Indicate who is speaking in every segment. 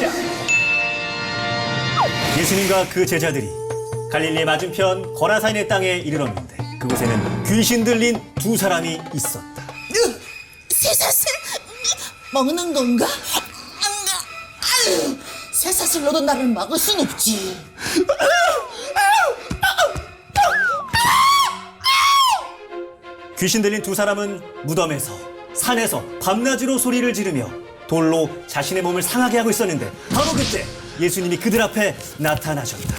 Speaker 1: 시작.
Speaker 2: 예수님과 그 제자들이 갈릴리 맞은편 거라사인의 땅에 이르렀는데 그곳에는 귀신 들린 두 사람이 있었다.
Speaker 3: 쇠사슬 먹는 건가? 아유, 쇠사슬로도 나를 막을 순 없지.
Speaker 2: 귀신 들린 두 사람은 무덤에서 산에서 밤낮으로 소리를 지르며 돌로 자신의 몸을 상하게 하고 있었는데 바로 그때 예수님이 그들 앞에 나타나셨다.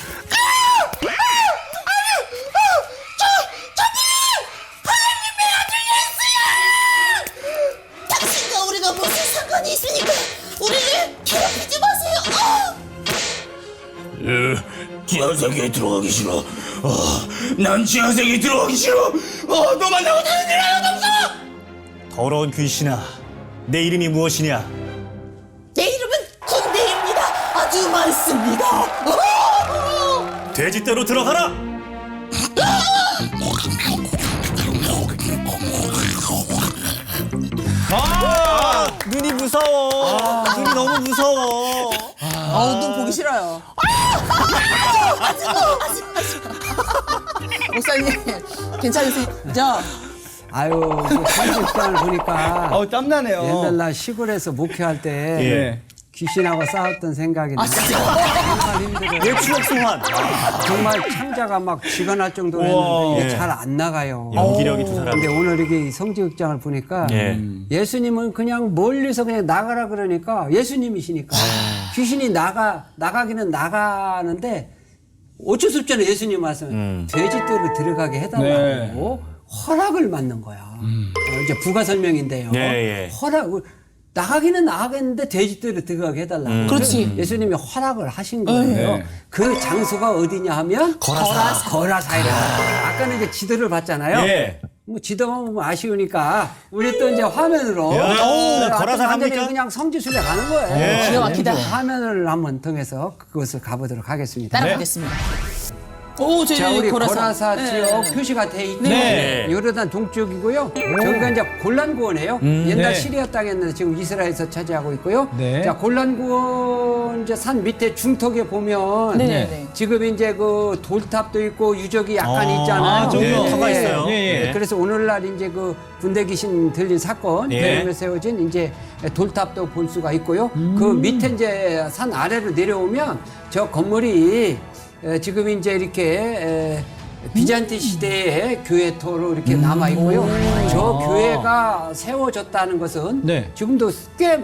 Speaker 3: 당신과 우리가 무슨 상관이 있으니까 우리를 괴롭히지 마세요.
Speaker 1: 지하세계에 들어가기 싫어. 난 지하세계에 들어가기 싫어. 너 만나고 되는 일 하나도 없어.
Speaker 2: 더러운 귀신아, 내 이름이 무엇이냐?
Speaker 3: 내 이름은 군대입니다. 아주 많습니다.
Speaker 2: 돼지떼로 들어가라! 눈이 무서워. 눈이 너무 무서워.
Speaker 4: 눈 보기 싫어요. 목사님 괜찮으세요?
Speaker 5: 아유, 성직장을 보니까
Speaker 1: 땀나네요.
Speaker 5: 옛날 나 시골에서 목회할 때
Speaker 2: 예.
Speaker 5: 귀신하고 싸웠던 생각이 나요. 정말 힘들어요.
Speaker 2: 내 추억 소환.
Speaker 5: 정말 창자가 막 쥐가 날 정도로 했는데 이게
Speaker 2: 예.
Speaker 5: 잘 안 나가요.
Speaker 2: 연기력이 두 사람.
Speaker 5: 근데 오늘 이게 성직장을 보니까
Speaker 2: 예.
Speaker 5: 예수님은 그냥 멀리서 그냥 나가라 그러니까 예수님이시니까 귀신이 나가기는 나가는데 어쩔 수 없잖아요. 예수님 말씀 돼지떼로 들어가게 해달라고 허락을 받는 거야. 이제 부가 설명인데요.
Speaker 2: 예, 예.
Speaker 5: 나가기는 나가겠는데 돼지떼로 들어가게 해달라고.
Speaker 4: 그렇지.
Speaker 5: 예수님이 허락을 하신 거예요.
Speaker 1: 네.
Speaker 5: 그 장소가 어디냐 하면 거라사이라. 아까는 이제 지도를 봤잖아요.
Speaker 2: 예.
Speaker 5: 뭐 지도만 보면 아쉬우니까 우리 또 이제 화면으로
Speaker 2: 거라사
Speaker 5: 완전히
Speaker 2: 갑니까?
Speaker 5: 그냥 성지순례 가는 거예요.
Speaker 2: 예.
Speaker 4: 기가 막히다.
Speaker 5: 화면을 한번 통해서 그것을 가보도록 하겠습니다.
Speaker 4: 따라가겠습니다. 오, 저희
Speaker 5: 자, 우리
Speaker 4: 거라사.
Speaker 5: 거라사
Speaker 4: 네.
Speaker 5: 지역 표시가 돼 있죠.
Speaker 2: 네.
Speaker 5: 요르단 동쪽이고요. 저기가 이제 골란구원이에요. 옛날
Speaker 1: 네.
Speaker 5: 시리아 땅이었는데 지금 이스라엘에서 차지하고 있고요.
Speaker 1: 네.
Speaker 5: 자, 골란구원 이제 산 밑에 중턱에 보면
Speaker 4: 네.
Speaker 5: 지금 이제 그 돌탑도 있고 유적이 약간 있잖아요.
Speaker 1: 저기요.
Speaker 2: 터가 있어요.
Speaker 1: 예.
Speaker 5: 그래서 오늘날 이제 그 군대 귀신 들린 사건
Speaker 2: 예.
Speaker 5: 때문에 세워진 이제 돌탑도 볼 수가 있고요. 그 밑에 이제 산 아래로 내려오면 저 건물이 지금 이제 이렇게 비잔티 시대의 교회토로 이렇게 남아 있고요. 저 교회가 세워졌다는 것은
Speaker 1: 네.
Speaker 5: 지금도 꽤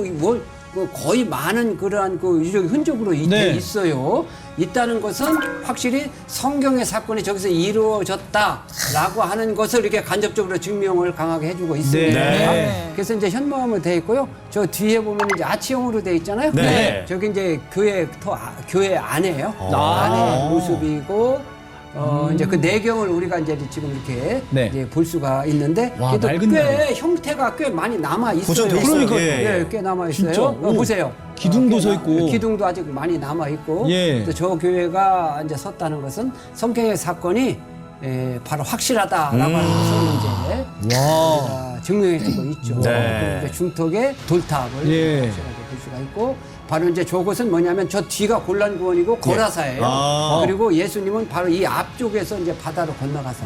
Speaker 5: 거의 많은 그러한 그 유적 흔적으로
Speaker 1: 네.
Speaker 5: 있어요. 있다는 것은 확실히 성경의 사건이 저기서 이루어졌다라고 하는 것을 이렇게 간접적으로 증명을 강하게 해주고 있습니다.
Speaker 2: 네.
Speaker 5: 그래서 이제 현모함으로 되어 있고요. 저 뒤에 보면 이제 아치형으로 되어 있잖아요.
Speaker 2: 네.
Speaker 5: 저기 이제 교회 안에요. 안에 모습이고. 이제 그 내경을 우리가 이제 지금 이렇게
Speaker 1: 네.
Speaker 5: 이제 볼 수가 있는데
Speaker 1: 와,
Speaker 5: 그래도
Speaker 1: 맑은
Speaker 5: 꽤 형태가 꽤 많이 남아 있어요.
Speaker 2: 보존돼 있어요.
Speaker 5: 그러니까요.
Speaker 2: 예, 예.
Speaker 5: 꽤 남아 있어요.
Speaker 1: 진짜? 오.
Speaker 5: 보세요.
Speaker 1: 기둥도
Speaker 5: 꽤
Speaker 1: 서 있고.
Speaker 5: 기둥도 아직 많이 남아 있고.
Speaker 1: 예.
Speaker 5: 또 저 교회가 이제 섰다는 것은 성경의 사건이 바로 확실하다라고 하는 것을 이제 증명해주고 있죠.
Speaker 2: 네.
Speaker 5: 그리고 이제 중턱에 돌탑을
Speaker 1: 예.
Speaker 5: 확실하게 볼 수가 있고. 바로 이제 저곳은 뭐냐면 저 뒤가 골란구원이고 거라사예요. 그리고 예수님은 바로 이 앞쪽에서 이제 바다로 건너가서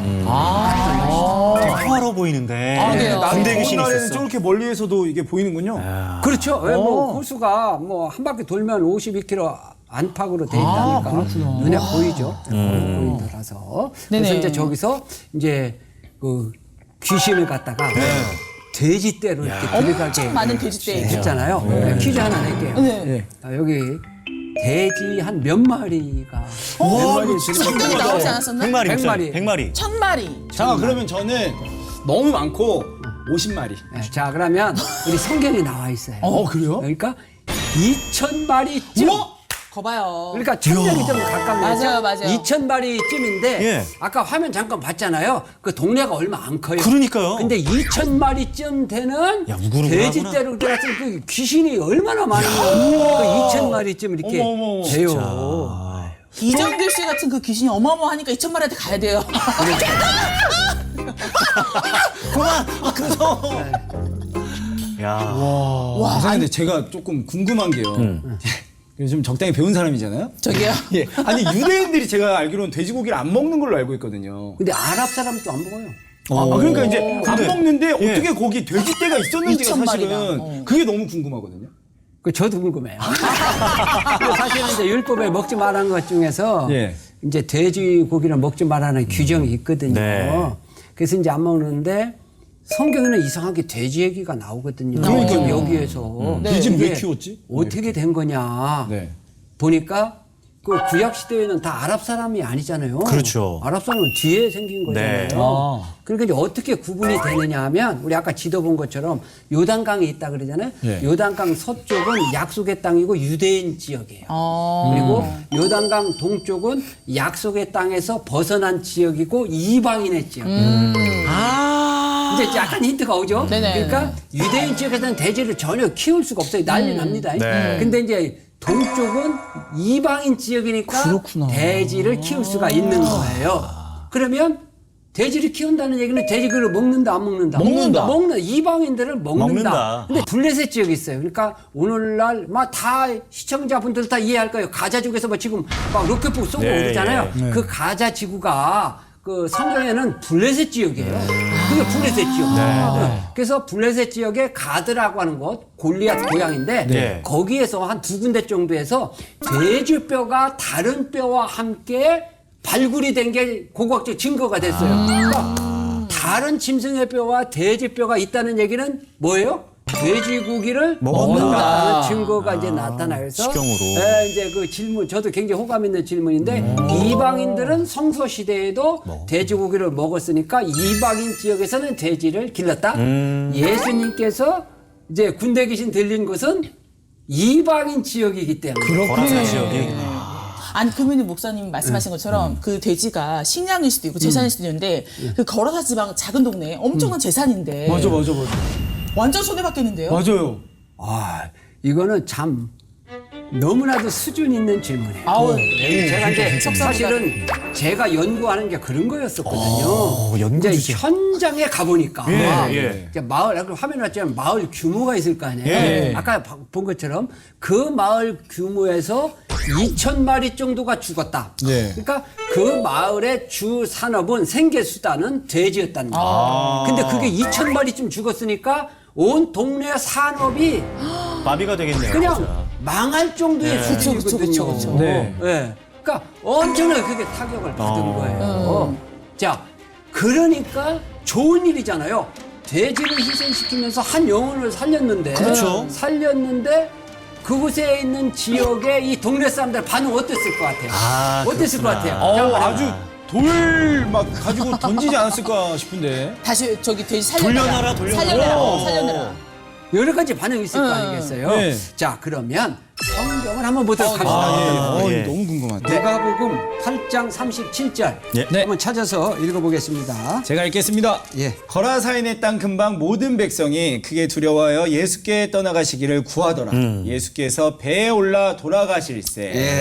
Speaker 2: 평화로워 보이는데.
Speaker 4: 네.
Speaker 2: 군대 귀신이
Speaker 6: 날에는
Speaker 2: 있었어.
Speaker 6: 저렇게 멀리에서도 이게 보이는군요.
Speaker 5: 그렇죠. 뭐 호수가 뭐 한 바퀴 돌면 52km 안팎으로 돼 있다니까 눈에 보이죠. 보이더라서. 그래서
Speaker 4: 네네.
Speaker 5: 이제 저기서 이제 그 귀신을 갖다가 돼지떼로 이렇게 들어가게
Speaker 4: 엄청 많은 돼지떼.
Speaker 5: 했잖아요. 퀴즈 하나 낼게요.
Speaker 4: 네.
Speaker 5: 여기 돼지 한 몇 마리가 몇 마리
Speaker 4: 성경에 나오지 않았었나?
Speaker 2: 100마리.
Speaker 5: 100마리.
Speaker 2: 100마리.
Speaker 4: 1000마리.
Speaker 6: 잠깐 그러면 저는 너무 많고 50마리.
Speaker 5: 자, 그러면 우리 성경에 나와 있어요.
Speaker 6: 그래요?
Speaker 5: 그러니까 2,000마리쯤.
Speaker 4: 거봐요.
Speaker 5: 그러니까 1,000명이 좀 가깝네요.
Speaker 4: 맞아요.
Speaker 5: 2,000마리쯤인데
Speaker 2: 예.
Speaker 5: 아까 화면 잠깐 봤잖아요. 그 동네가 얼마 안 커요.
Speaker 2: 그러니까요.
Speaker 5: 근데 2,000마리쯤 되는
Speaker 2: 야, 무구르구나.
Speaker 5: 돼지떼로 들어갔을 그 귀신이 얼마나 많으면 그 2,000마리쯤 이렇게
Speaker 6: 어머,
Speaker 5: 돼요.
Speaker 4: 이정길 씨 같은 그 귀신이 어마어마하니까 2000마리한테 가야 돼요.
Speaker 2: 그만. 무서워. 야.
Speaker 6: 선생님, 근데 제가 조금 궁금한 게요. 좀 적당히 배운 사람이잖아요.
Speaker 4: 저기요.
Speaker 6: 예. 아니 유대인들이 제가 알기로는 돼지고기를 안 먹는 걸로 알고 있거든요.
Speaker 5: 근데 아랍 사람도 안 먹어요.
Speaker 6: 그러니까 이제 안 먹는데 어떻게 거기 돼지떼가 있었는지가
Speaker 4: 2,000
Speaker 6: 사실은
Speaker 4: 마리나.
Speaker 6: 그게 너무 궁금하거든요.
Speaker 5: 그 저도 궁금해요. 근데 사실은 이제 율법에 먹지 말라는 것 중에서
Speaker 6: 예.
Speaker 5: 이제 돼지고기를 먹지 말라는 규정이 있거든요.
Speaker 2: 네.
Speaker 5: 그래서 이제 안 먹는데 성경에는 이상하게 돼지 얘기가 나오거든요.
Speaker 6: 그러니까요.
Speaker 5: 지금 여기에서
Speaker 6: 돼지는 왜
Speaker 5: 이게
Speaker 6: 키웠지?
Speaker 5: 어떻게 된 거냐
Speaker 6: 네.
Speaker 5: 보니까 그 구약 시대에는 다 아랍 사람이 아니잖아요.
Speaker 2: 그렇죠.
Speaker 5: 아랍 사람은 뒤에 생긴 거잖아요.
Speaker 2: 네.
Speaker 5: 그러니까 이제 어떻게 구분이 되느냐 하면 우리 아까 지도 본 것처럼 요단강이 있다 그러잖아요.
Speaker 6: 네.
Speaker 5: 요단강 서쪽은 약속의 땅이고 유대인 지역이에요. 그리고 요단강 동쪽은 약속의 땅에서 벗어난 지역이고 이방인의 지역. 이제 약간 힌트가 오죠.
Speaker 4: 네네.
Speaker 5: 그러니까 유대인 지역에서는 돼지를 전혀 키울 수가 없어요. 난리 납니다.
Speaker 2: 네.
Speaker 5: 근데 이제 동쪽은 이방인 지역이니까
Speaker 6: 그렇구나.
Speaker 5: 돼지를 키울 수가 있는 거예요. 그러면 돼지를 키운다는 얘기는 돼지를 먹는다 안 먹는다? 먹는다. 이방인들을 먹는다.
Speaker 2: 먹는다.
Speaker 5: 근데 블레셋 지역이 있어요. 그러니까 오늘날 막 다 시청자분들 다 이해할 거예요. 가자지구에서 뭐 지금 막 로켓포 쏘고
Speaker 2: 네,
Speaker 5: 그러잖아요.
Speaker 2: 예.
Speaker 5: 그 가자지구가 그 성경에는 블레셋 지역이에요. 그게 블레셋 지역. 네. 그래서 블레셋 지역에 가드라고 하는 곳, 골리앗 고향인데
Speaker 2: 네.
Speaker 5: 거기에서 한 두 군데 정도에서 돼지뼈가 다른 뼈와 함께 발굴이 된 게 고고학적 증거가 됐어요. 그러니까 다른 짐승의 뼈와 돼지 뼈가 있다는 얘기는 뭐예요? 돼지고기를 먹는다는 증거가 이제 나타나서
Speaker 2: 식용으로.
Speaker 5: 이제 그 질문 저도 굉장히 호감 있는 질문인데 이방인들은 성서 시대에도 돼지고기를 먹었으니까 이방인 지역에서는 돼지를 길렀다. 예수님께서 이제 군대 귀신 들린 곳은 이방인 지역이기 때문에
Speaker 2: 거라사 지역이.
Speaker 4: 아니 그러면 목사님이 말씀하신 것처럼 그 돼지가 식량일 수도 있고 재산일 수도 있는데 그 거라사 지방 작은 동네에 엄청난 재산인데
Speaker 6: 맞아.
Speaker 4: 완전 손해 받겠는데요?
Speaker 6: 맞아요.
Speaker 5: 아, 이거는 참 너무나도 수준 있는 질문이에요.
Speaker 4: 아우
Speaker 5: 제가 이제 사실은 제가 연구하는 게 그런 거였었거든요.
Speaker 2: 연구
Speaker 5: 이제
Speaker 2: 주제.
Speaker 5: 현장에 가보니까
Speaker 2: 예.
Speaker 5: 이제 마을 아까 화면에 났지만 마을 규모가 있을 거 아니에요.
Speaker 2: 예.
Speaker 5: 아까 본 것처럼 그 마을 규모에서 2,000마리 정도가 죽었다.
Speaker 6: 예.
Speaker 5: 그러니까 그 마을의 주 산업은 생계 수단은 돼지였다는 거예요. 근데 그게 2,000마리쯤 죽었으니까 온 동네 산업이
Speaker 2: 마비가 되겠네요.
Speaker 5: 그냥
Speaker 2: 진짜.
Speaker 5: 망할 정도의 수준이거든요.
Speaker 4: 그쵸.
Speaker 6: 네.
Speaker 5: 예. 그러니까 엄청나게 그게 타격을 받은 거예요. 자, 그러니까 좋은 일이잖아요. 돼지를 희생시키면서 한 영혼을 살렸는데,
Speaker 2: 그렇죠.
Speaker 5: 살렸는데 그곳에 있는 지역의 이 동네 사람들 반응 어땠을 것 같아요?
Speaker 2: 아,
Speaker 5: 어땠을 것
Speaker 2: 그렇구나.
Speaker 5: 같아요? 잠깐만.
Speaker 6: 아주 돌 막 가지고 던지지 않았을까 싶은데.
Speaker 4: 다시 저기 돼지 살려내라.
Speaker 2: 돌려놔라.
Speaker 4: 살려내라.
Speaker 5: 여러 가지 반응이 있을 거 아니겠어요?
Speaker 6: 네.
Speaker 5: 자, 그러면 성경을 한번 보도록 합시다.
Speaker 2: 예.
Speaker 6: 너무 궁금한데.
Speaker 5: 누가복음 8장 37절
Speaker 2: 예.
Speaker 5: 한번 찾아서 읽어보겠습니다.
Speaker 6: 제가 읽겠습니다.
Speaker 5: 예.
Speaker 6: 거라사인의 땅 근방 모든 백성이 크게 두려워하여 예수께 떠나가시기를 구하더라. 예수께서 배에 올라 돌아가실세.
Speaker 5: 예.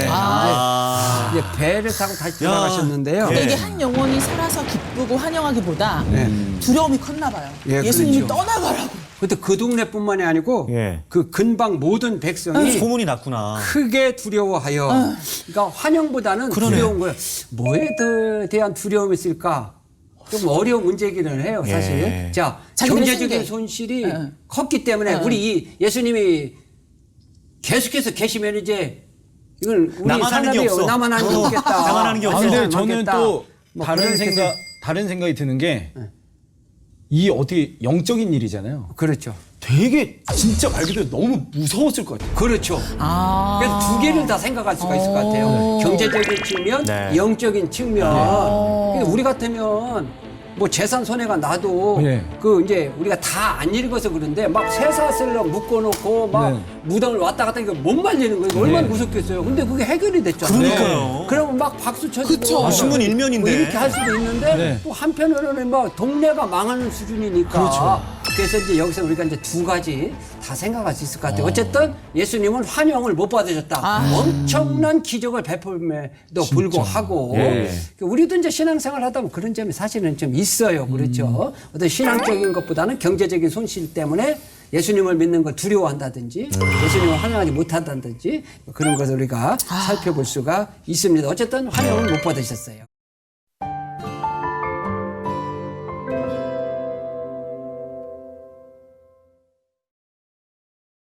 Speaker 5: 이제 배를 타고 다시
Speaker 2: 야.
Speaker 5: 돌아가셨는데요.
Speaker 4: 근데
Speaker 2: 예.
Speaker 4: 이게 한 영혼이 살아서 기쁘고 환영하기보다 두려움이 컸나 봐요.
Speaker 5: 예,
Speaker 4: 예수님이
Speaker 5: 그렇죠.
Speaker 4: 떠나가라고.
Speaker 5: 근데 그 동네뿐만이 아니고
Speaker 2: 예.
Speaker 5: 그 근방 모든 백성이
Speaker 2: 소문이 났구나.
Speaker 5: 크게 두려워하여 그러니까 환영보다는 두려운 거예요. 뭐에 대한 두려움이 있을까? 좀 어려운 문제이기는 해요, 사실.
Speaker 2: 예.
Speaker 5: 자,
Speaker 4: 자기네
Speaker 5: 경제적인
Speaker 4: 생계.
Speaker 5: 손실이 컸기 때문에 우리 이 예수님이 계속해서 계시면 이제 이건 우리
Speaker 2: 나만 하는 게
Speaker 5: 산업이
Speaker 2: 없어.
Speaker 5: 나만 하는 게 없겠다.
Speaker 2: 나만 하는 게 없어.
Speaker 6: 근데 저는
Speaker 5: 많겠다.
Speaker 6: 또
Speaker 5: 뭐
Speaker 6: 다른
Speaker 5: 그렇게
Speaker 6: 생각이 드는 게 이 어떻게 영적인 일이잖아요.
Speaker 5: 그렇죠.
Speaker 6: 되게 진짜 말 그대로 너무 무서웠을 것 같아요.
Speaker 5: 그렇죠.
Speaker 4: 아.
Speaker 5: 그래서 두 개를 다 생각할 수가 있을 것 같아요. 경제적인 측면,
Speaker 2: 네.
Speaker 5: 영적인 측면. 그러니까 우리 같으면 뭐 재산 손해가 나도
Speaker 6: 네.
Speaker 5: 그 이제 우리가 다 안 읽어서 그런데 막 쇠사슬로 묶어놓고 막
Speaker 6: 네.
Speaker 5: 무덤을 왔다 갔다 이거 못 말리는 거예요. 얼마나 무섭겠어요. 근데 그게 해결이 됐잖아요.
Speaker 2: 그러니까요.
Speaker 5: 그러면 막 박수 쳐주고
Speaker 4: 그쵸.
Speaker 2: 신문 일면인데.
Speaker 5: 뭐 이렇게 할 수도 있는데
Speaker 6: 네.
Speaker 5: 또 한편으로는 막 동네가 망하는 수준이니까.
Speaker 6: 그렇죠.
Speaker 5: 그래서 이제 여기서 우리가 이제 두 가지 다 생각할 수 있을 것 같아요. 어쨌든 예수님은 환영을 못 받으셨다. 엄청난 기적을 베풀음에도 불구하고
Speaker 2: 예.
Speaker 5: 우리도 이제 신앙생활 하다 보면 그런 점이 사실은 좀 있어요. 그렇죠. 어떤 신앙적인 것보다는 경제적인 손실 때문에 예수님을 믿는 걸 두려워한다든지 예수님을 환영하지 못한다든지 그런 것을 우리가 살펴볼 수가 있습니다. 어쨌든 환영을 못 받으셨어요.